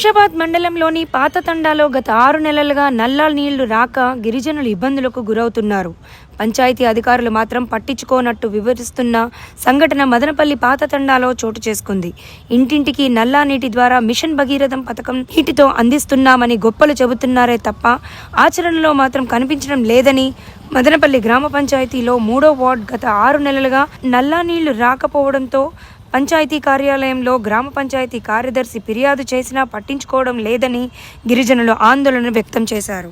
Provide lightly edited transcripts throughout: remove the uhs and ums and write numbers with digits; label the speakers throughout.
Speaker 1: శంషాబాద్ మండలంలోని పాత తండాలో గత 6 నెలలుగా నల్లా నీళ్లు రాక గిరిజనులు ఇబ్బందులకు గురవుతున్నారు. పంచాయతీ అధికారులు మాత్రం పట్టించుకోనట్టు వివరిస్తున్న సంఘటన మదనపల్లి పాత తండాలో చోటు చేసుకుంది. ఇంటింటికి నల్లా నీటి ద్వారా మిషన్ భగీరథం పథకం నీటితో అందిస్తున్నామని గొప్పలు చెబుతున్నారే తప్ప ఆచరణలో మాత్రం కనిపించడం లేదని మదనపల్లి గ్రామ పంచాయతీలో 3వ వార్డు గత 6 నెలలుగా నల్లా నీళ్లు రాకపోవడంతో పంచాయతీ కార్యాలయంలో గ్రామ పంచాయతీ కార్యదర్శి ఫిర్యాదు చేసినా పట్టించుకోవడం లేదని గిరిజనులు ఆందోళన వ్యక్తం చేశారు.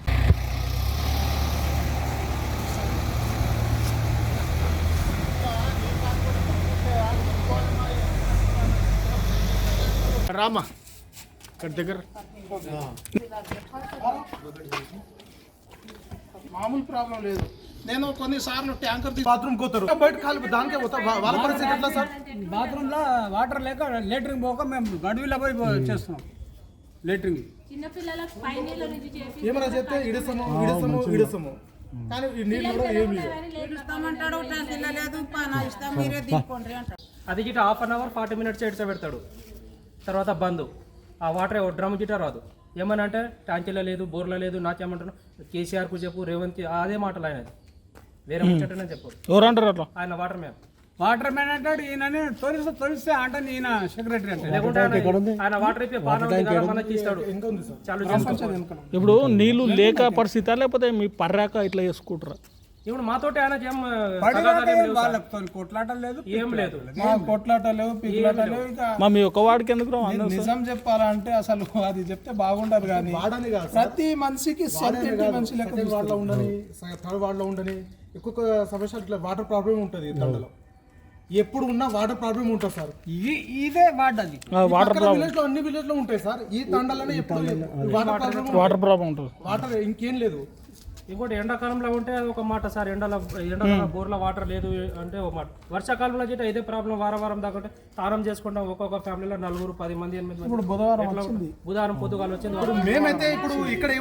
Speaker 2: రామా దగ్గర మామూలు ప్రాబ్లం లేదు. నేను కొన్నిసార్లు ట్యాంకర్ బాత్రూమ్ పోతారు బయట కాలు దానికే పోతా. వాళ్ళ పరిస్థితి ఎట్లా సార్?
Speaker 3: బాత్రూంలో వాటర్ లేక లేటరింగ్ పోక మేము గడువులో పోయి చేస్తున్నాం లేటరింగ్.
Speaker 2: ఏమైనా చెప్తే ఇడసము కానీ ఈ నీళ్ళు కూడా ఏమి
Speaker 4: అది గిట్ట హాఫ్ అన్ అవర్ 40 మినిట్స్ ఎడ్స పెడతాడు, తర్వాత బంద్. ఆ వాటర్ డ్రమ్ గిట్ట రాదు. ఏమని అంటే ట్యాంకీలో లేదు, బోర్లో లేదు. నాకేమంటున్నాను, కేసీఆర్కు చెప్పు, రేవంత్ అదే మాటలు ఆయన, వేరే ముచ్చటనే చెప్పారు.
Speaker 2: ఎవరంటారు అట్లా? ఆయన
Speaker 3: వాటర్ మ్యాన్ అంటాడు. ఈయన తొలిస్తే అంటే ఈయన సెక్రటరీ అంటే
Speaker 4: లేకుంటే ఆయన వాటర్ అయిపోయి పాన తీస్తాడు.
Speaker 5: ఇప్పుడు నీళ్లు లేక పరిస్థితి లేకపోతే మీ పర్రాక ఇట్లా చేసుకుంటారా?
Speaker 4: ఇప్పుడు మాతోటి ఆయన
Speaker 3: వాళ్ళతో కొట్లాట లేదు,
Speaker 4: ఏం లేదు,
Speaker 2: కొట్లాట లేవు, పిల్లట లేవు.
Speaker 5: మా మీ ఒక వాడికి ఎందుకు
Speaker 2: నిజం చెప్పాలంటే అసలు అది చెప్తే బాగుండదు. కానీ ప్రతి మనిషికి మనిషి లెక్క వాడలో ఉండని, థర్డ్ వార్డులో ఉండని ఎక్కువ సమస్య ఇట్లా వాటర్ ప్రాబ్లం ఉంటుంది. తండలో ఎప్పుడు ఉన్నా వాటర్ ప్రాబ్లం ఉంటుంది సార్.
Speaker 3: ఇదే వార్డ్ అది
Speaker 5: వాటర్ ప్రాబ్లం
Speaker 2: అన్ని విలేజ్ లో ఉంటాయి సార్. ఈ తండలోనే ఎప్పుడు
Speaker 5: వాటర్ ప్రాబ్లం ఉంటుంది.
Speaker 2: వాటర్ ఇంకేం లేదు.
Speaker 4: ఇంకోటి ఎండాకాలంలో ఉంటే ఒక మాట సార్, ఎండలో బోర్లో వాటర్ లేదు అంటే ఒక మాట. వర్షాకాలంలో అయితే ఇదే ప్రాబ్లం. వారం దాకా స్నానం చేసుకుంటాం. ఒక్కొక్క ఫ్యామిలీలో 4, 10 మంది, 8 మంది.
Speaker 2: ఇప్పుడు బుధవారం
Speaker 4: బుధవారం పొద్దుగాలు వచ్చింది.
Speaker 2: మేమైతే ఇప్పుడు ఇక్కడ